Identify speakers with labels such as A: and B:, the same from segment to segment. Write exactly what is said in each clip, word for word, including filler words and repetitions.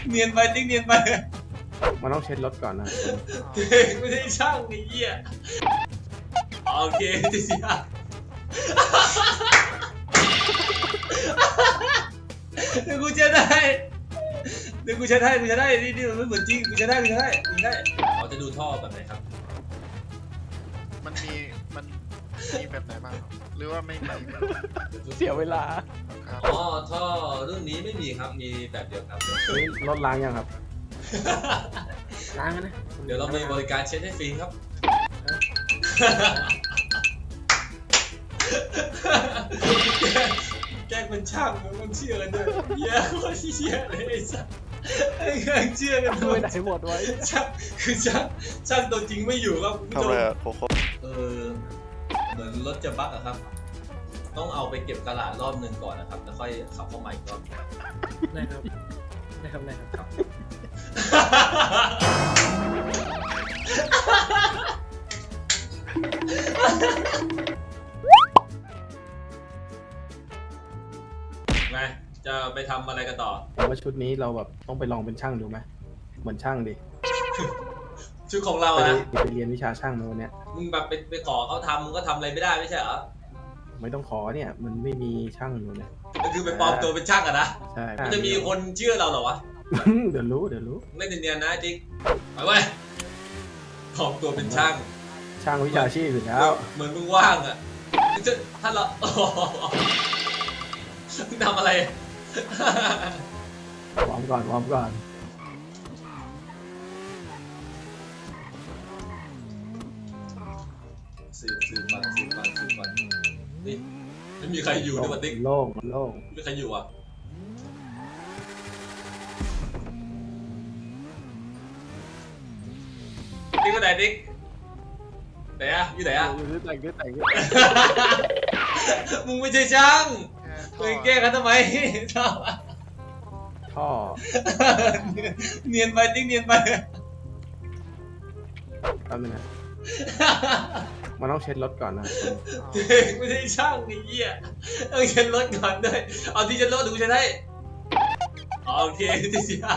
A: เนียนไปติ๊กเนียนไป
B: มันต้องเช็ดรถก่อนนะ
A: ไม่ใช่ช่างไอ้เหี้ยโอเคจะเสียเดี๋ยวกูจะได้เดี๋ยวกูจะได้กูจะได้นี่นี่มันไม่เหมือนจริงกูจะได้กูจะได้กูจะได้เราจะดูท่อแบบไหนครับ
C: มันมีมันมีแบบไหนบ้างหรือว่าไม่มี
B: เสียเวลา
A: อ๋อท่อรุ่นนี้ไม่มีครับมีแบบเดียวครับ
B: นี่รถล้างยังครับล้างนะ
A: เดี๋ยวเรามีบริการเช็ดให้ฟรีครับแกล้งเป็นช่างมันเชื่อกันด้วยเหี้ยโคตรเชื่อเลยไอ้สัสไอ้เรื่องเชื่อกันด้วย
B: ไหนหมดไว้
A: ช่างคือช่างช่างตัวจริงไม่อยู่ครับคุณผู้ชมเออเหมือนรถจะบั๊กอะครับต้องเอาไปเก็บตลาดรอบหนึ่งก่อนนะครับแล้วค่อยขับเข้ามาอีกรอบ
B: ได้ครับได้ครับได้ครับ
A: ไงจะไปทำอะไรกันต่อ
B: ว่าชุดนี้เราแบบต้องไปลองเป็นช่างดูไหมเหมือนช่างดิ
A: ชุดของเราอะ
B: ไปเรียนวิชาช่างมาวันเนี้ย
A: มึงแบบไปไปขอเขาทำมึงก็ทำอะไรไม่ได้ไม่ใช่เหรอ
B: ไม่ต้องขอเนี่ยมันไม่มีช่างอยู่เนี่ย
A: ก็คือไปปลอมตัวเป็นช่างอะนะ
B: ใช่
A: มันจะมีคนเชื่อเราเหรอวะ
B: เดี๋ยวรู้เดี๋ยวรู้
A: ไม่เนียนๆนะจิ๊กไปเว้ยปลอมตัวเป็นช่าง
B: ช่างวิชาชีพอยู่แล้ว
A: เหมือนมึงว่างอะถ้าเรามึงทำอะไร
B: วอร์มก่อนวอร์มก่อน
A: สืบสืบฟันสืบฟันสืบฟันนี่ไม่มีใครอยู่ด้วยติ๊ก
B: โล่งโล่ง
A: ไม่มีใครอยู่อ่ะติ๊กก็ไหนติ๊กไหนอะอยู่ไหนอะ
B: อยู่ที่ไหนอยู่ที่ไหน
A: มึงไม่ใช่ช่างมึงแก้กันทำไมท่อ
B: ท่อ
A: เนียนไปติ๊กเนียนไป
B: แป๊บนึงนะมันต้องเช็ดรถก่อนนะ
A: ไม่ใช่ช่างไอ้เหี้ยต้องเช็ดรถก่อนด้วยเอาที่เช็ดรถดูใช่ไหมโอเคที่เสีย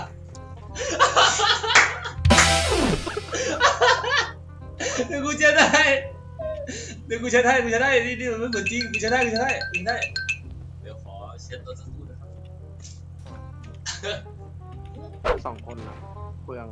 A: เดี๋ยวกูจะได้เดี๋ยวกูจะได้กูจะได้นี่นี่มันไม่เหมือนจริงกูจะได้กูจะได้กูได้เดี๋ยวขอเช็ดรถสักครู่นะครับ
B: สองคนนะเปลือง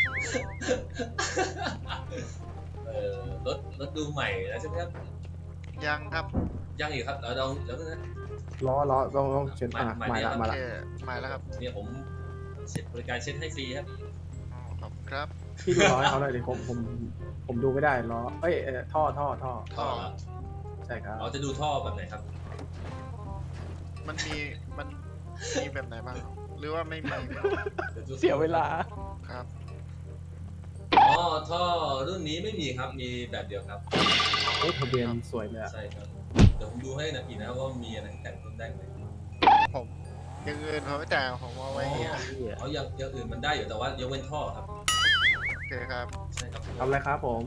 A: เออรถรถดูใหม่แล้วใช่ไหมครับ
C: ยังครับ
A: ยังอีกครับเราลองแล้วนะ
B: ล้อล้อต้องต้องเช็ดอ่ะมาละมาละ
C: มาแล้วครับ
A: เนี่ยผมเช็ดบริการเช็ดให้ฟรีครับ
C: ขอบครับ
B: พี่ดูล้อให้เขาหน่อยดิผมผมผมดูไม่ได้ล้อเอ้ยท่อท่อท่อ
A: ท่อ
B: ใช่ครับ
A: เราจะดูท่อแบบไหนครับ
C: มันมีมันมีแบบไหนบ้างหรือว่าไม่มี
B: เสียเวลา
C: ครับ
A: อ๋อท่อรุ่นนี้ไม่มีครับมีแบบเดียวครับ
B: โอ้ทะเบียนสวยเลย
A: ใช่ครับเดี๋ยวผมดูให้นะอีกนะว่ามีอะไรแต่งต้นได้ไหม
C: ผมอย่างอื่นเขาไม่แต่งผมเอาไว้
A: เอาอย่างอย่างอื่นมันได้อยู่แต่ว่ายกเว้นท่อครับ
C: โอเคครับ
A: ใช่ครับ
B: ทำอะไรครับผม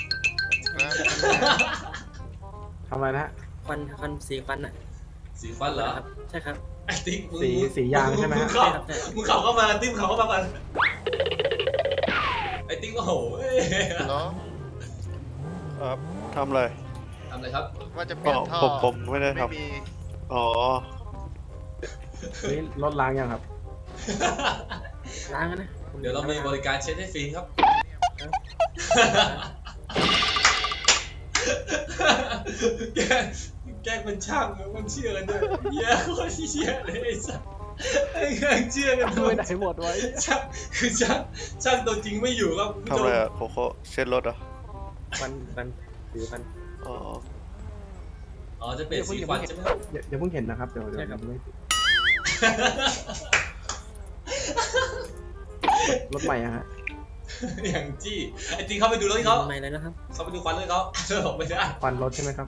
B: ทำอะไรนะ
D: ควันควันสีควันอ่ะ
A: สีควันเหรอ
D: ใช่ครับ
A: ไอ้ติ๊ก
B: สีสียางใช่ไหมฮะ
A: มึงเข่าเข้ามาติ๊กเขาเข้ามากันไอ้ติ๊กโอ้โห
E: ครับทำอะไร
A: ทำอะไรครับ
C: ว่าจะเปลี่ยนท่อ
E: ผมผมไม่ได้ทำอ๋อ
B: นี่รถล้างยังครับล้างนะ
A: เดี๋ยวเรามีบริการเช็ดให้ฟรีครับแกแกเป็นช่างมันเชื่อกันด้วยเหี้ยโคตรเชื่อเลยไอ้สัสไอ้เรื่องเชื่อกันด้วย
B: ไหนหมดไว้
A: ช่างคือช่างช่างตัวจริงไม่อยู่ครับ
E: ทำอะไรอะโคโค่เช็ดรถอ่ะ
B: ฟันฟันผิวฟัน
E: อ๋อ
A: อ๋อจะเปลี่ยนสีฟันใช่ไหมครับ
B: เดี๋ยวเพิ่งเห็นนะครับเดี๋ยวเดี๋ยวไม่รถใหม่อะฮะ
A: อย่างจี้ไอ้จริงเขาไปดูรถเขา
D: ใหม่เลยนะครับ
A: เขาไปดูควันเลยเขาเชื่อผมไม่ได้
B: ควันรถใช่ไหมครับ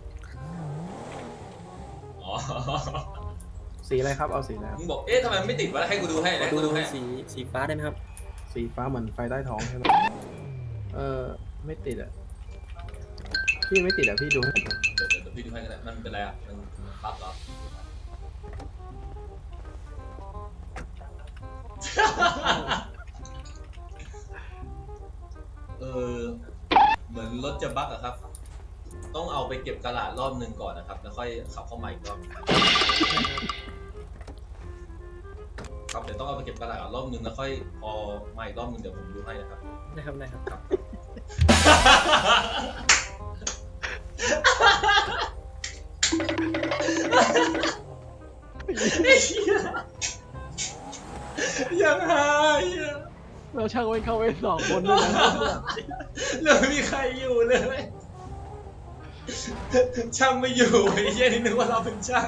A: อ๋อ
B: สีอะไรครับเอาสีอะไร
A: มึงบอกเอ๊ะทำไมไม่ติดวะให้กูดูให้นะกูดูให้
D: สีสีฟ้าได้ไหมครับ
B: สีฟ้าเหมือนไฟใต้ท้องใช่ไหมเออไม่ติดอ่ะพี่ไม่ติดอ่ะพี่ดูให้ผม
A: เดี๋ยวเดี๋ยวพี่ดูให้กันแหละมันเป็นอะไรอ่ะมันปั๊บเหรอเออเหมือนรถจะบั๊กอะครับ ต้องเอาไปเก็บกระดาษรอบหนึ่งก่อนนะครับ แล้วค่อยขับเข้ามาอีกรอบครับเดี๋ยวต้องเอาไปเก็บกระดาษรอบหนึ่งแล้วค่อยพอมาอีกรอบหนึ่งเดี๋ยวผมดูให้นะครับ
D: นะครับได้ครับ
A: ครับยังหายอ่ะ
B: เราช่างไว้เข้าไว้สองคนด้วยนะ
A: เราไม่มีใครอยู่เลย ช่างไม่อยู่ไอ้เหี้ยนี่นึกว่าเราเป็นช่าง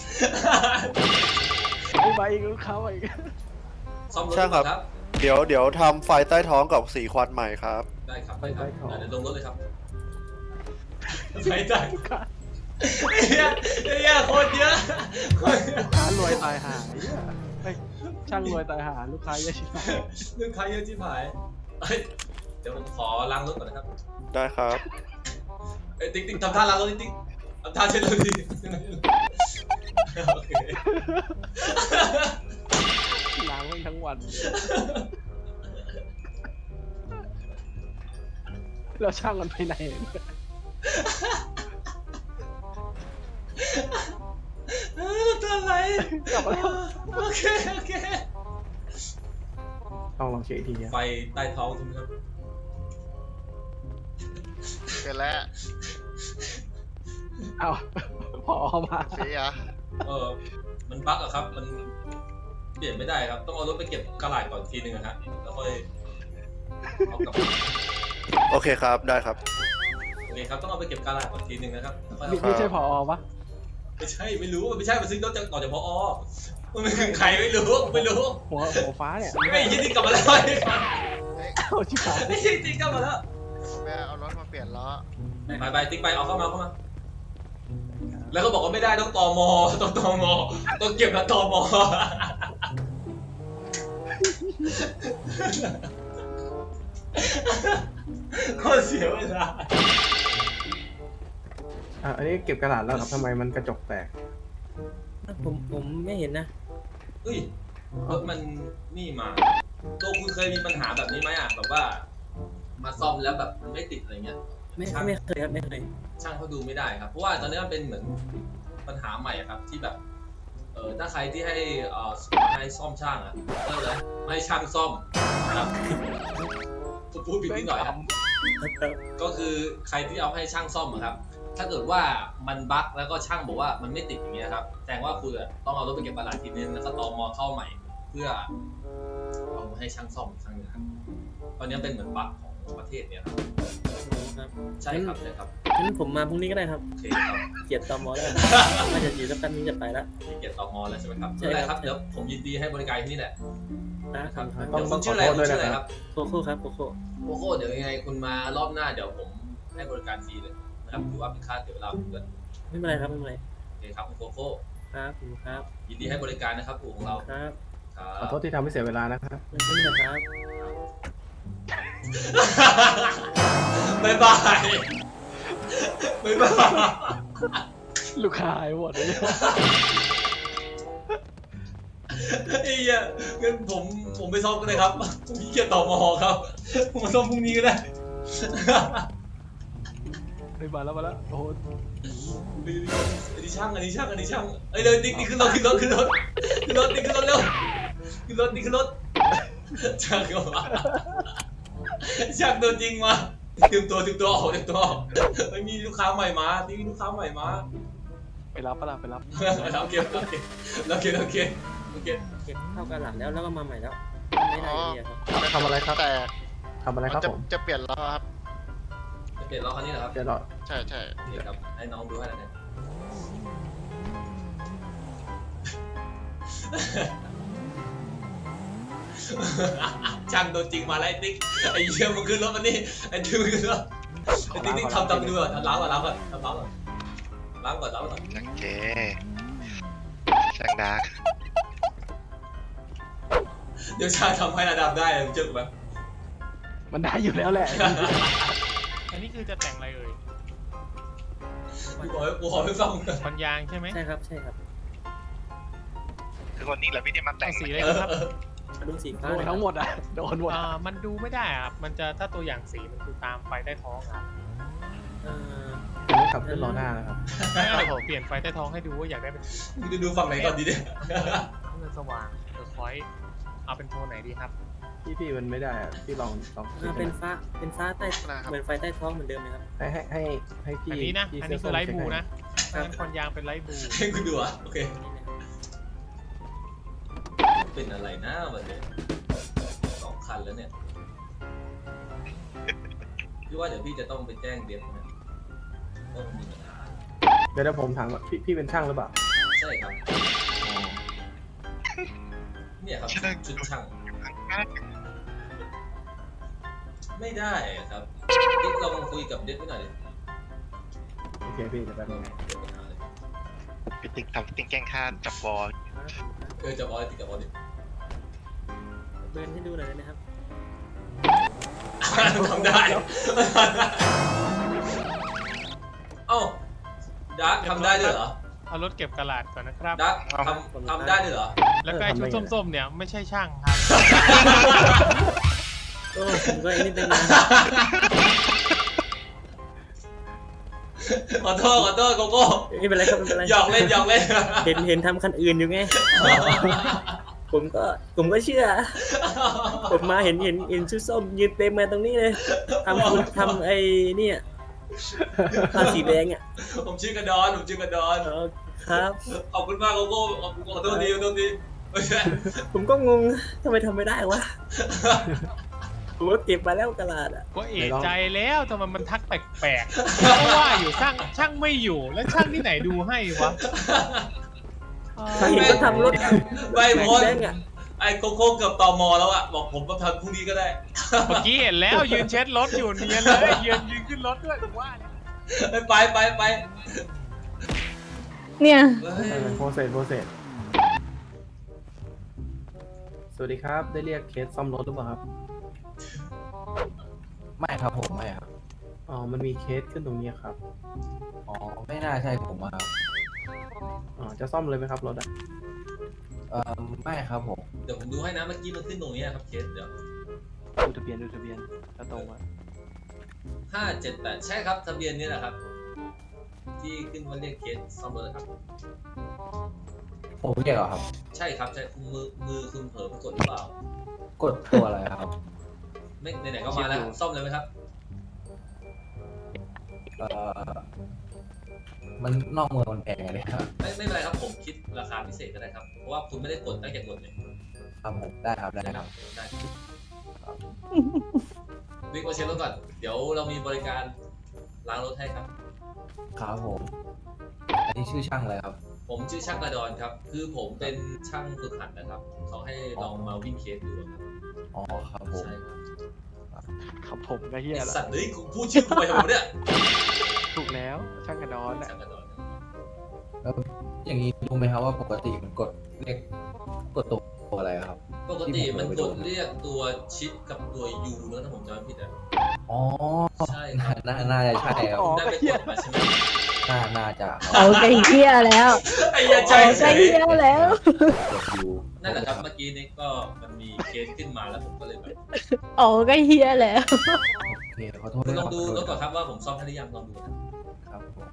B: ไอ้ใบอีกลูกค้าอีก
A: ซ่อมรถ
E: ช่างครับ
A: ก่อนครับ
E: เดี๋ยวเดี๋ยวทำไฟใต้ท้องกับสีควันใหม่ครับ
A: ได้ครับได้ครับ
B: ไปต่อ
A: เดี๋ยวลงรถเลยครับไปได้ไอ้เหี้ยไอ้เหี้ยโคตรเยอะโคตรเยอะ
B: ลูกค้ารวยตายหาไอ้ช่างรวยตายหาลูกค้าเยอะชิบหาย
A: เรื่องใครเยอะชิบหายเฮ้ยเดี๋ยวผมขอล้างรถก่อนนะครับ
E: ได้ครับ
A: เอ้ยติ๊กติ๊กทำท่าล้างรถติ๊กติ๊กทำท่าเช็ดรถดิโอเค
B: ล้างไว้ทั้งวันเราช่างมันไปไหน
A: ทำไร
B: กลับมาแล้ว
A: โอเคโอเค
B: ต้องลองเช็คอีกทีอะ
A: ไฟใต้ท้องใช่ไหมครับ
C: เป็นแล้ว
B: เอาพอมา
C: เสีย
A: เออมันบั๊กอะครับมันเปลี่ยนไม่ได้ครับต้องเอารถไปเก็บกระดาษก่อนทีนึงอะฮะแล้วค่อยเอากลับ
E: โอเคครับ ได้ครับ
A: โอเคครับต้องเอาไปเก็บกระดาษก่อนทีนึงนะครับแล้วค่อย
B: ไม่
A: เอา
B: ไม่ใช่พอปะ
A: ไม่ใช่ไม่รู้มันไม่ใช่มันซื้อรถจากต่อจากพอมันไม่คือใครไม่รู้ไม่รู้
B: หัวหัวฟ้าเนี่ย
A: ไม่ยินดีกลับมาแล้ว
C: เฮ้ย
B: เอาชิบหาย
A: ไม่ยินดีกลับมาแล้ว
C: แม่เอารถมาเปลี่ยนล้อ
A: ไปไปติ๊กไปเอาเข้ามาเข้ามา แล้วก็บอกว่าไม่ได้ต้องตมต้องตมต้องเก็บนะตมก็เสียเวลา
B: อ่ะอันนี้เก็บกระดาษแล้วครับทำไมมันกระจกแตก
D: ผมผมไม่เห็นนะ
A: เฮ้ยรถมันนี่มาตัวคุณเคยมีปัญหาแบบนี้ไหมอ่ะแบบว่า มาซ่อมแล้วแบบมันไม่ติดอะไรเงี้ย
D: ไม่ไม่เคยครับไม่เคย
A: ช่างเขาดูไม่ได้ครับเพราะว่าตอนนี้มันเป็นเหมือนปัญหาใหม่อะครับที่แบบเออถ้าใครที่ให้เอ่อให้ซ่อมช่างอ่ะเออเลยไม่ให้ช่างซ่อมนะครับพูดผิดนิดหน่อยครับก็คือใครที่เอาให้ช่างซ่อมอะครับถ้าเกิดว่ามันบั๊กแล้วก็ช่างบอกว่ามันไม่ติดอย่างเงี้ยครับแสดงว่าคุณอะต้องเอารถไปเก็บกระดาษทีนึงแล้วก็ตอมอเข้าใหม่ เพื่อเอามาให้ช่างซ่อมอีกครั้งหนึงครับตอนนี้เป็นเหมือนบั๊กของประเทศเนี่ยครับ
D: ครับ
A: ใช่ครับใช่ครับ
D: งั้นผมมาพรุ่งนี้ก็ได้ครับ
A: โอเคครับ
D: เกียรติตอมอแล้วน่าจะอยู่สักแป๊บนึงจะไปแล้ว
A: มีเกียรติต่อมอแล้วใช่ไหมครับ
D: ใช่
A: ไม่
D: ครับ
A: เป็นไรครับเดี๋ยวผมยินดีให้บริการที่นี่แหละ
D: นะครับ
B: ต้อ
A: เดี๋
B: ง
A: ยว
B: ต้
A: คุ
B: อง
A: ณ
B: ข
A: ชื่
B: อ
A: ออะไร
B: โทษ
A: คุณ
B: ด้วย
A: ชื่อ
B: นะ
A: อะไร
B: ค
A: ค
B: รั
A: รับ บ
D: โคโค่ครับโคโค่
A: โอ้โหเดี๋ยวยังไงคุณมารอบหน้าเดี๋ยวผมให้บริการฟรีเลยนะครับถือว่าเป็นค่าเสียเวลาผมด้วย
D: ไม่เป็นไรครับไม่เป็นไร
A: โอเคครับคุณโคโค่
D: ครับผมครับ
A: ยินดีให้บริการนะครับอู่ของเรา
D: ครับ
A: ครั
B: ขอบ โทษที่ทำให้เสียเวลานะครับ
D: ไม่เป็นไรครับ
A: บ๊ายบายบ๊ายบาย
B: ลูกค้าหายหมดเลย
A: ไอ้เหี้ยงั้นผมผมไปซ่อมกันเลยครับผมมีเกียรติต่อมอครับผมมาซ่อมพรุ่งนี้ก็ได้
B: ไปมาแล้วมาแล้วโอ้โห
A: อันนี้ช่างอันนี้ช่างอันนี้ช่างเอ้ยเร็วติ๊กนี่ขึ้นรถขึ้นรถขึ้นรถขึ้นรถนี่ขึ้นรถเร็วขึ้นรถนี่ขึ้นรถช่างก็มาช่างตัวจริงมาเตรียมตัวเตรียมตัวออกเตรียมตัวออกเฮ้ยมีลูกค้าใหม่มาที่มีลูกค้าใหม่มา
B: ไปรับปะล่ะไปรับ
A: โอเคโอเคโอเคโอเคโอเค
D: เก็บเข้ากันหลังแล้วแล้วก็มาใหม่แล้วไม่ได้ดีครับ
B: ทำอะไรครับ
C: แต่
B: ทำอะไรครับ
C: จะ
B: ผม
C: จะเปลี่ยนล้อครับ
A: จะเปลี่ยนล้อคันนี้เหรอครับ
B: เดี๋ยวรอ
C: ใช่ใช่
A: นี่ครับให้น้องดูให้หน่อยนะช่างตัวจริงมาแล้วไอ้ติ๊กไอ้เชี่ยมันขึ้นรถมันนี่ไอ้ติ๊กมันขึ้นรถไอ้ติ๊กนี่ทำทำดูก่อนล้างก่อนล้างก่อนทำล้างก่อนล้างก่อนล้างก่อน
F: โอเคช่างดาร์ก
A: เดี๋ยวช่างทำให้ระดับได้เลยมึงเจอกูไหม
B: มันได้อยู่แล้วแหละ
G: อันนี้คือจะแต่งอะไรเอ่ย
A: กูขอกูขอให้ฟังก่อน
G: มันยางใช่ไหม
D: ใช่ครับใช่ครับ
F: คือคนนี้เหรอพี่ที่มาแต่
G: เอา
F: ง
G: สี
F: ไหม
G: อะไรครับ
A: ไป
D: มาดูสีฟ้า
B: โดนทั้งหมดอ่ะโดนหมด
G: อ่ามันดูไม่ได้ครับ มันจะถ้าตัวอย่างสีมันคือตามไฟใต้ท้องครับ
D: เอ่อ
B: ผมไม่ขับขึ้นล้อหน้านะครับ
G: งั้นเดี๋ยวผมเปลี่ยนไฟใต้ท้องให้ดูว่าอยากได้เป็น
A: มึงจะดูฝั่งไหนก่อนดีเนี่ย
G: เงินสว่างเออคอยเอาเป็นโทนไหนดีครับ
B: พี่พี่มันไม่ได้อ่ะพี่ลองลองขึ้
D: อ่าเป็นฟ้าเป็นฟ้าใต้
C: นะครับ
D: เหมือนไฟใต้ท้องเหมือนเดิมนะครับ
B: ให้ให้ให้ให้พี่
G: อันนี้นะ
B: พี่
G: อัน
B: เสื้
G: นี้คือไลท์บลู
B: ส้ม
G: นะถ้างั้นควันยางเป็นไลท์บลู
A: ให้กูดูอ่ะโอเค
D: นี่นะครับ
A: เป็นอะไรนะวันนี้สองคันแล้วเนี่ยพี่ว่าเดี๋ยวพี่จะต้องไปแจ้งเดฟนะว่ามันมีปัญหา
B: เดี๋ยวเดี๋ยวผมถามว่าพี่พี่เป็นช่างหรือเปล่า
A: ใช่ครับ เนี่ยครับชุดช่าง ไม่ได้อะครับติ๊กลองคุยกับเดฟไว้หน่อยดิ
B: โอเคพี่เดี๋ยวแป๊บนึง
A: เดี๋ยวปัญหาเลย
F: พี่ติ๊กทำติ๊กแกล้งฆ่าจับบอล
A: เออจะบอลติ๊กกับบอลดิ
D: เบิร์นให้ดูหน่อยได้ไหมครับ
A: ทำได้เอ้าดักทำได้ด้วยเหรอ
G: เอารถเก็บกระดาษก่อนนะครับ
A: ดักทำทำได้ด้วยเหรอ
G: แล้วก็ไอ้ชุดส้มๆเนี่ยไม่ใช่ช่างครับ
D: โอ้ผมก็ไอ้นี่ตั้งนาน
A: ขอโทษขอโทษโกโก้
D: ไม่เป็นไรครับไม่เป็นไร
A: หยอกเล่นหยอกเล่น
D: เห็นเห็นทำคันอื่นอยู่ไง ผมก็ผมก็เชื่อ ผมมาเห็นเห็นเห็นชุดส้มยืนเต็มมาตรงนี้เลยทำคุณทำไอ้เนี่ยผ้าสีแดงอ่ะ
A: ผมชื่อกระดอนผมชื่อกระดอน
D: อ๋อครับ
A: ขอบคุณมากโกโก้ขอบคุณขอโทษดีขอโทษดีไม่ใช่
D: ผมก็งงทำไมทำไม่ได้วะ ผมก็เก็บมาแล้วกระดาษอ่ะ
G: ก็เอะใจแล้วทำไมมันทักแปลกๆเพราะว่าอยู่ช่างช่างไม่อยู่แล้วช่างที่ไหนดูให้วะ
D: ถ้าเห็นก็ทำรถ
A: ไม่พ้น
D: แดงอ่ะ
A: ไอ้โกโก้เกือบตอมอแล้วอะบอกผมมาทำพรุ่งนี้ก็ได้
G: เมื่อกี้เห็นแล้วยืนเช็ดรถอยู่เนียนเลยยืนยืนขึ้นรถด้วยผมว่าเนี่ย
A: ไปไปไป
H: เนี่ย
A: เฮ้ย
B: โปรเซสโปรเซสสวัสดีครับได้เรียกเคสซ่อมรถหรือเปล่าครับ
I: ไม่ครับผมไม่ครับ
B: อ๋อมันมีเคสขึ้นตรงนี้ครับ
I: อ๋อไม่น่าใช่ผมอะครับ
B: อ๋อจะซ่อมเลยไหมครับรถอ่ะ
I: เอ่อไม่ครับผม
A: เดี๋ยวผมดูให้นะเมื่อกี้มันขึ้นตรงนี้ครับเคสเดี๋ยว
B: ดูทะเบียนดูทะเบียนถ้าตรงอ่ะ
A: ห้าเจ็ดแปดใช่ครับทะเบียนนี้แหละครับ ที่ขึ้นว่าเรียกเคสซ่อมรถครับ
I: ผมเรียกเหรอครับ
A: ใช่ครับใช่มือมือคุณเผลอไปกดหรือเปล่าก
I: ดตัวอะไรครับ
A: ไม่ไหนๆก็มาแล้วซ่อมเลยไหมครับ
I: เอ่อมันนอกเมืองมันแพงไงเนี่ยครับ
A: ไม่ไม่เป็นไรครับผมคิดราคาพิเศษก็ได้ครับเพราะว่าคุณไม่ได้กดตั้งแต่กดเลย
I: ครับผมได้ครับได้ครับ
A: ได้วิ่งมาเช็ครถก่อนเดี๋ยวเรามีบริการล้างรถให้ครับ
I: ครับผม อันนี้ชื่อช่างอะไรครับ
A: ผมชื่อช่างกระดอนครับ คือผมเป็นช่างฝึกหัดนะครับ เขาให้ลองมาวิ่งเคสดูครับ
I: อ๋อครับผม
A: ใช่ครับ
B: ครับผมก็เฮีย
A: ไอ้
B: ละ
A: สัตว์เฮ้ยกูพูดชื่อกูไปทำไมเนี่ย
B: ถูกแล้วช่างกระดอนอ่ะ
A: ช่างกระดอน
I: แล้วอย่างนี้รู้ไหมครับว่าปกติมันกดเรียกกดตัวอะไรครับ
A: ปกติมันกดเรียกตัวชิปกับตัวยูนะถ้าผมจำไม่ผิดอ่ะ
I: อ๋อ
A: ใช่ครับ
I: น่าน่าจะใช่ครับ
A: คุณได้ไปกดมาใช่ไหม
I: น่าน่าจะครับ
H: เอาไก่เหี้ยแล้ว
A: ไอ้ยาใจ
H: เอา
A: เฉ
H: ไก่
A: ย
H: เหี้ยแล้ว
I: กดอยู่
A: นั่นแหละครับเมื่อกี้นี้ก็มันมีเคสขึ้นมาแล้วผมก็เลยแบบ
H: เอาไก่เหี้ยแล้ว
I: โอเคขอโทษ
A: คุณ
I: ด้วย
A: ลองดูรถ
I: ค
A: ก่อนครับว่าผมซ่อมให้หรือยังลองดูนะ
I: รับผม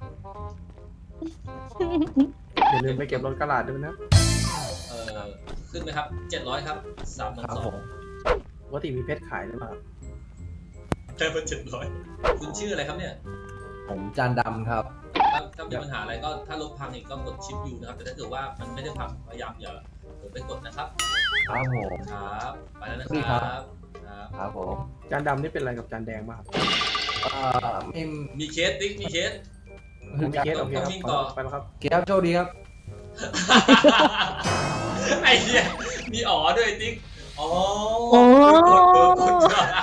B: อย่าลืมไปเก็บรถกระดาษด้วยนะ
A: เออขึ้นไหมครับเจ็ดร้อยครับสามหมื่น
I: ครับ
A: สอ
I: ผ
A: ง
I: ม
B: ปกติมีเพชรขายหรือเปล่าครับ
A: แค่เป็นเจ็ดร้อยคุณชื่ออะไรครับเนี่ย
I: ผมจานดำครับ
A: ถ้าถ้ามีปัญหาอะไรก็ถ้ารถพังอีกก็กดชิปยูนะครับแต่ถ้าเกิดว่ามันไม่ได้พังพยายามอย่าเปิดไปกดนะครับ
I: ครับผม
A: ครับไปแล้วนะ
I: สวัสดี
A: ค
I: ครั
A: รับ บครับ
I: ครับผม
B: จานดำนี่เป็นอะไรกับจานแดงบ้างครับ
I: เอ่อไม่
A: มีเคสติ๊กมีเคส
B: ผมมีเคสโอเคค
A: ต้
B: รั
A: อง
B: บ
A: วิ่งต่อ
B: ไปแล้วครับ
I: เกียร์โชคดีครับ
A: ไอ้เหี้ยมีอ๋อด้วยติ๊กอ๋อ
H: โอ้
A: กดเบอร์กด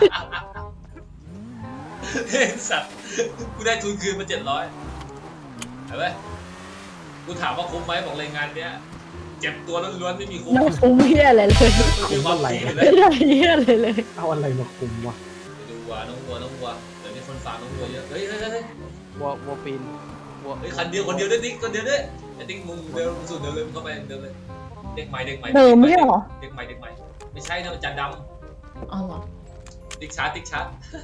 A: เฮ้ยสัตว์กูได้ทุนคืนมาเจ็ดร้อยเห็นไหมกูถามว่าคุ้มไหมบอกเลยงานเนี้ยเจ็บตัวล้วนๆไม่มีคุ้ม
H: น้องคุ้มเหี้ยอะไรเลย
A: ไม่มีความคุ้มเล
H: ไม่
A: ย
H: ได้เหี้ยอะไรเลย
B: เอาอะไรมาคุมวะ
A: ไปดูวัวน้องวัวน้องวัวเดี๋ยวนี้คนฟาร์มน้องวัวเยอะเฮ้ยเฮ้ยเฮ้ย
B: วัววัวปีนวัว
A: เฮ้ยคันเดียวคนเดียวด้วยติ๊กคนเดียวด้วยไอ้ติ๊กมึงเดินสุดเดินเลยมึงเข้าไปเดินเลยเด็กใหม่เด็กใหม่
H: เดิมไม่ใช่เหรอ
A: เด็กใหม่เด็กใหม่ไม่ใช่นะมันจานด
H: อ๋อเหรอ
A: ำติ๊กชาร์จติ๊กชาร์จ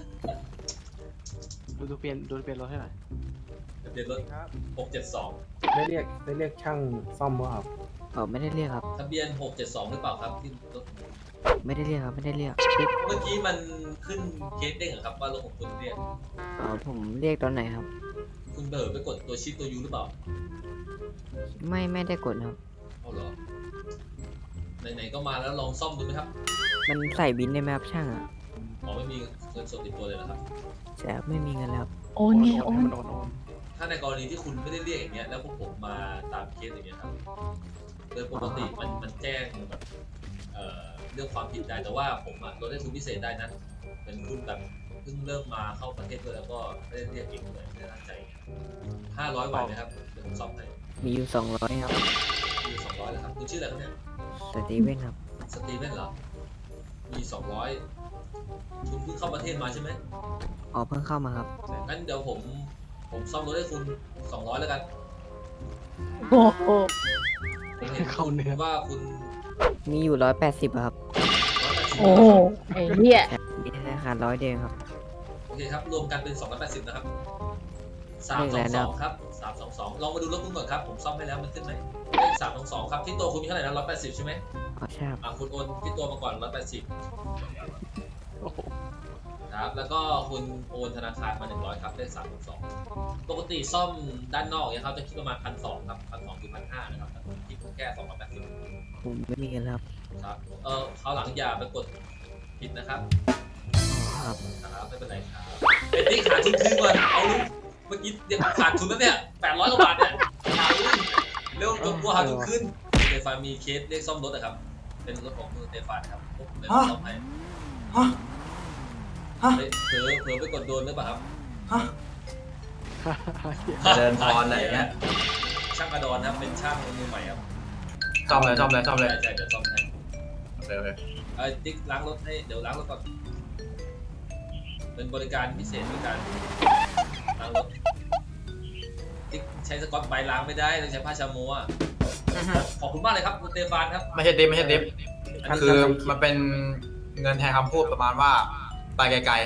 B: ดูดูเปลี่ยนดูเปลี่ยนรถให้หน่อย
A: ทะเบียนรถ
B: ครับ
A: หกเจ็ดสอง
B: ได้เรียกได้เรียกช่างซ่อมว่าครับ
J: อ๋อไม่ได้เรียกครับ
A: ทะเบียนหกเจ็ดสองหรือเปล่าครับที่รถ
J: ไม่ได้เรียกครับ ไม่ได้เรียก
A: เมื่อกี้มันขึ้นเคสเด้งเหรอครับว่ารถของคุณเรียก
J: อ๋อผมเรียกตอนไหนครับ
A: คุณเบิร์ไปกดตัวชิปตัวยูหรือเปล่า
J: ไม่ไม่ได้กดครับ
A: เอาเหรอไหนๆก็มาแล้วลองซ่อมดูไหมครับ
J: มันใส่บินได้ไหมครับช่างอ่ะ
A: อ๋อไม่มีเงินสดติดตัวเลยนะครับ
J: ใช่ครับไม่มีเงินแล้วครับ
H: โอนไงโอน
B: โอนโอน
A: ถ้าในกรณีที่คุณไม่ได้เรียกอย่างเงี้ยแล้วพวกผมมาตามเคสอย่างเงี้ยครับโดยปกติมันมันแจ้งแบบเอ่อเรื่องความผิดได้แต่ว่าผมอะลดให้คุณพิเศษได้นะเป็นคุณแบบเพิ่งเริ่มมาเข้าประเทศด้วยแล้วก็ไม่ได้เรียกเองเลยไม่ได้ตั้งใจห้าร้อยไหวไหมครับเดี๋ยวผมซ่อมให้
J: มีอยู่สองร้อยครับ
A: มีสองร้อยแล้วครับคุณชื่ออะไรครับเนี่ย
J: สตีเว่นครับ
A: สตีเว่นเหรอมีสองร้อยคุณเพิ่งเข้าประเทศมาใช่ไหม
J: อ๋อเพิ่งเข้ามาครับ
A: งั้นเดี๋ยวผมผมซ่อมรถให้คุณสองร้อยแล้วกัน
H: โอ้โห
A: ผมเห็น
B: เข้าเนื้อ
A: ว่าคุณ
J: มีอยู่ร้อยแปดสิบครับ
H: โอ้โหไอ้เหี้ย
J: มีธนาคารร้อยเดียวครับ
A: โอเคครับ รวมกันเป็นสองร้อยแปดสิบนะครับสามสองสองครับสามสองสองลองมาดูรถคุณก่อนครับ ผมซ่อมให้แล้วมันขึ้นไหมเลขสามสองสองครับ ที่ตัวคุณมีเท่าไหร่นะร้อยแปดสิบใช่ไหม
J: อ๋อใช่ครับ
A: อ่ะคุณโอนที่ตัวมาก่อนร้อยแปดสิบครับ แล้วก็คุณโอนธนาคารมาหนึ่งร้อยครับเลขสามสองสองปกติซ่อมด้านนอกเนี่ยเขาจะคิดประมาณพันสองครับพันสองถึงพันห้านะครับคิดแค่สองร้อยแปดสิบ
J: ผมไม่มีเงินแล้วครับ
A: ครับ เออคราวหลังอย่าไปกดผิดนะครับ
J: อ๋อครับ
A: ครับไม่เป็นไรครับเอ็ดดี้ขาดทุนคืนก่อนเอาลูกเมื่อกี้เดี๋ยวขาดทุนแล้วเนี่ยแปดร้อยกว่าบาทเนี่ยขาดทุนเร็วจนกลัวขาดทุนขึ้นเตฟานมีเคสเรียกซ่อมรถนะครับ เป็นรถของคุณเตฟานครับพวกผมเป็นซ่อมให้เฮ้ยเผลอเผลอไปกดโดนหรือเปล่าครับ
I: เดินพรอะไรอย่างเงี้ย
A: ช่างกระดอนครับเป็นช่างมือใหม่ครับ
I: ซ่อมเลยซ่อมเลยซ่อมเลย
A: ใช่ใช่เดี๋ยวซ่อมให้
I: โอเคโอเค
A: เอ้ยติ๊กล้างรถให้เดี๋ยวล้างรถก่อนเป็นบริการพิเศษบริการล้างรถติ๊กใช้สกอตไบรท์ล้างไม่ได้ต้องใช้ผ้าชาโมอ่ะขอบคุณมากเลยครับคุณเตฟานครับ
I: ไม่ใช่ดิฟไม่ใช่ดิฟ
A: อันนี้
I: คือมันเป็นเงินแทนคำพูดประมาณว่าไปไกล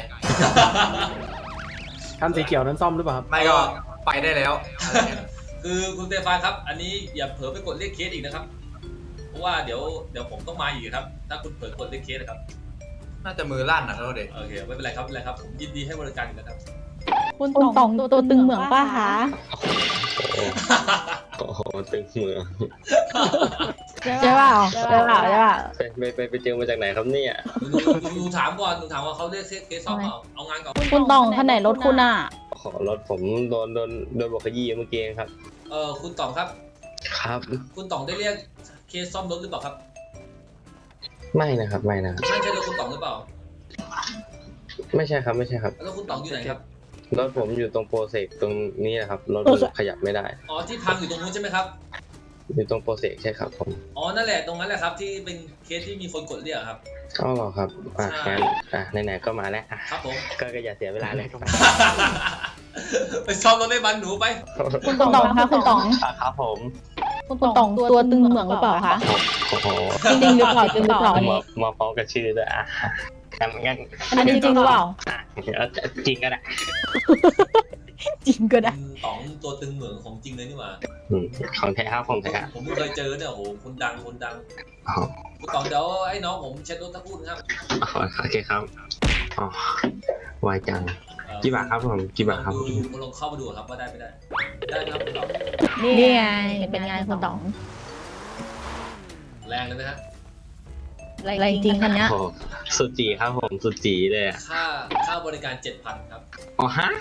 B: คันสีเขียวนั้นซ่อมหรือเปล่าครับ
I: ๆ ไม่ก็ไปได้แล้วอะไรเงี้ย
A: คือคุณเตฟานครับ อันนี้อย่าเผลอไปกดเรียกเคสอีกนะครับ เพราะว่าเดี๋ยวเดี๋ยวผมต้องมาอีกครับ ถ้าคุณเผลอกดเรียกเคสนะครับ
I: น่าจะมือลั่นนะเขาเด็ก
A: โอเคไม่เป็นไรครับไม่เป็นไรครับผมยินดีให้บริการอยู่แล้วครับ
H: คุณตองตัวตึงเหมืองป้าคะ
K: โอ้โหตึงเมือง
H: ใช่เปล่าใช่เปล่าใช่เปล่า
K: ไปไปไปไปเจอมาจากไหนครับเนี่ย
A: หนูหนูหนูถามก่อนหนูถามว่าเขาเรียกเคสซ่อมเปล่าเอางานก่อน
H: คุณตองท่านไหนรถคุณอ่ะ
K: ขอรถผมโดนโดนโดนบอกขยี้เมื่อกี้เองครับ
A: เออคุณต๋องครับ
K: ครับ
A: คุณต๋องได้เรียกเคสซ่อมรถหรือเปล่าครับ
K: ไม่นะครับไม่นะครับ
A: ใช่ใช่รถคุณต๋องหรือเปล่า
K: ไม่ใช่ครับไม่ใช่ครับ
A: แล้วคุณต๋องอยู่ไหนครับ
K: รถผมอยู่ตรงโปรเซกตรงนี้นะครับรถมันขยับไม่ได้
A: อ๋อที่พังอยู่ตรงนู้นใช่ไหมครับ
K: อยู่ตรงโปรเซกใช่ครับผม
A: อ๋อนั่นแหละตรงนั้นแหละครับที่เป็นเคสที่มีคนกดเรียกครับ
K: เอ้าเหรอครับอ่ะ
A: ใช่
K: งั้นอ่ะไหนๆก็มาแล้วอ่ะ
A: ครับผม
K: ก็ก็อย่าเสียเวลาเลย
A: ไปซ่อมรถให้บันหนูไป
H: คุณตองคะคุณตอง
K: อ่ะครับผม
H: คุณตองตัวตึงเหมืองหรือเปล่าคะ
K: โอ้โห
H: จริงหรือเปล่าจริงหรือเปล่าอัน
K: มา
H: นี้
K: มาพร้อมกับชื่อด้วยอ่ะงั้นงั้น
H: อันนี้จริงหรือเปล่า
K: อ่ะเอาจริงก็ได้
H: จริงก็ได้
A: คุณต๋องตัวตึงเหมืองของจริงเลยนี่หว่า
K: อืมของแท้ครับของแท้
A: ผมไม่เคยเจอเนี่ยโอ้โหคนดังคนดัง
K: อ๋อ
A: คุณต๋องเดี๋ยวให้น้องผมเช็ดรถสักครู่นะครับ
K: อ๋อโอเคครับอ๋อไวจัง
A: เอ่อ
K: กี่บาทครับผมกี่บาทครับ
A: ลองดูลองเข้ามาดูครับว่าได้ไม่ได้ ได้ไหมครับคุณต๋อง
H: นี่ไงเป็นไงคุณตอง
A: แรงเลยไหมฮะ
H: อะไรจริงคันเนี้ย
K: โอ้สุดจีครับผมสุดจีเลยอ่ะ
A: ค่าค่าบริการเจ็ดพันครับ
K: อ๋อฮะ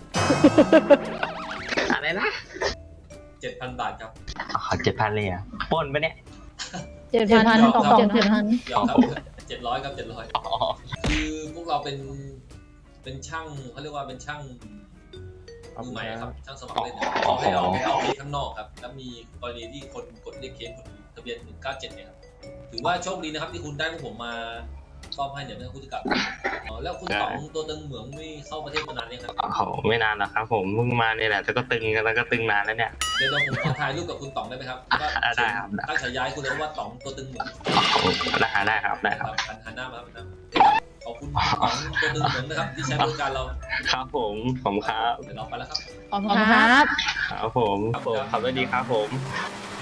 K: อะไรนะ
A: เจ็ดพันบาทครับ
K: อ๋อเจ็ดพันเลยอ่ะปล้นปะเนี่ย
H: เจ็ดพันตองเจ็ดพัน
A: เดี๋ยวครับเจ็ดร้อยครับเจ็ดร้อย
K: อ๋อ
A: คือพวกเราเป็นเป็นช่างเขาเรียกว่าเป็นช่างมือใหม่ครับช่างสมัครเล่นนะครับเขาให้เอาให้เอาเคสข้างนอกครับแล้วมีกรณีที่คนกดเรียกเคสคนทะเบียนหนึ่งเก้าเจ็ดเนี่ยครับถือว่าโชคดีนะครับที่คุณได้พวกผมมาซ่อมให้เนี่ยไม่ต้องคุณจะกลับอ๋อแล้วคุณต๋องตัวตึงเหมืองนี่เข้าประเทศมานานยังครับ
K: โอ้ไม่นานหรอกครับผมเพิ่งมาเนี่ยแหละแต่ก็ตึงกันแล้วก็ตึงนานแล้วเนี่ย
A: เดี๋ยวเราผมขอถ่ายรูปกับคุณต๋องได้ไหมครับก็
K: ได้ครับ
A: ตั้งฉายาให้คุณเลยว่าต๋องตัวตึงเหมือง
K: ได้ได้ครับได้
A: ค
K: ค
A: รั
K: รั
A: บบ หันหันหน้ามาหันหน้ามาขอบคุณคุณต๋องตัวตึงเหมืองนะครับที่ใช้บริการเรา
K: ครับผมผมครับ
A: เดี๋ยวเราไปแล้วครับ
H: ขอบคุณครับ
K: ครับผมครับผมขับรถดีครับผม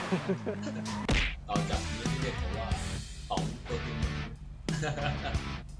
A: ต่อจากนี้ที่เรียกผมว่าต๋องตัวตึงเหมือง